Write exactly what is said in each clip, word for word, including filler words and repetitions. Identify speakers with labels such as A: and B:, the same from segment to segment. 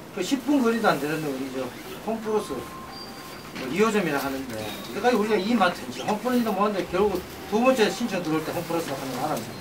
A: 그 십 분 거리도 안 되는 우리 저 홈플러스 뭐 이 호점이라 하는데 여기까지 우리가 이마트인지 홈플러스도 뭐하는데 결국 두 번째 신청 들어올 때 홈플러스 하는 거 알았네.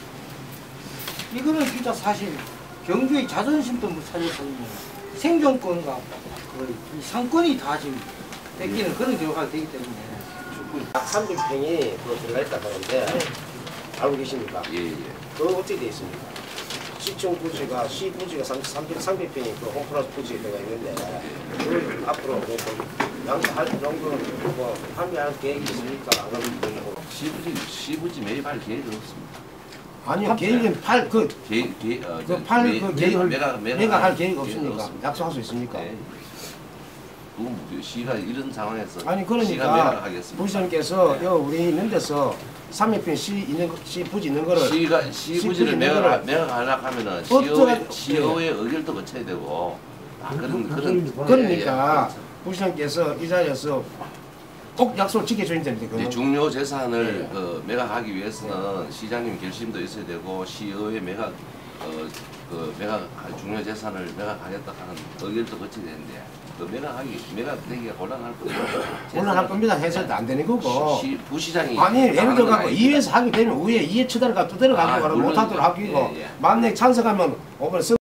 A: 이거는 진짜 사실 경주의 자존심도 못 살려서 생존권과 그 상권이 다 지금 뺏기는 그런 결과가 되기 때문에
B: 삼백 평이 그 들어가 있다 하는데 알고 계십니까?
C: 예, 예.
B: 그거 어떻게 되어 있습니까? 시청 부지가 시 부지가 삼백 평이 그 홈플러스 부지에 들어가 있는데 그걸 앞으로 양할 정도는 뭐 판매할 계획이 있습니까? 안 그러면
C: 시부지 시부지 매입할 계획은 없습니다.
D: 아니요, 계획은 팔, 그,
C: 계획 계획 어,
D: 그 팔, 그 계획을,
C: 매각
D: 매각 할 계획이 없습니까? 약속할 수 있습니까?
C: 네. 그건 뭐 시가 이런 상황에서
D: 아니,
C: 시가
D: 그러니까,
C: 매각하겠습니다.
D: 부시장께서
C: 네.
D: 여 우리 있는 데서 삼백 평 시 있는, 거- 시 부지 있는 거를.
C: 시가
D: 시
C: 시부지를
D: 부지
C: 매각
D: 거를
C: 매각하려고 하면은
D: 어쩌-
C: 시의회 시의회 의결도 거쳐야 되고 아, 그런 그런
D: 그러니까,
C: 예, 예.
D: 부시장께서 이 자리에서 꼭 약속을 지켜줘야 되는데,
C: 이제
D: 그건.
C: 중요 재산을
D: 네.
C: 그 매각하기 위해서는 시장님 결심도 있어야 되고 시의회 매각 어, 그 매각 중요 재산을 매각하겠다 하는 의결도 거쳐야 되는데 그 매각하기 매각되기가 곤란할 거예요.
D: 곤란할 겁니다. 해서도 안 되는 거고.
C: 시, 부시장이
D: 아니, 예를 들어 갖고
C: 아닙니다.
D: 이회에서 하게 되면 위에 이해 처단을 갖고 또 들어가고
C: 아,
D: 그러면
C: 물론
D: 못하도록 하기고
C: 예, 예.
D: 만약에 찬성하면 오늘 서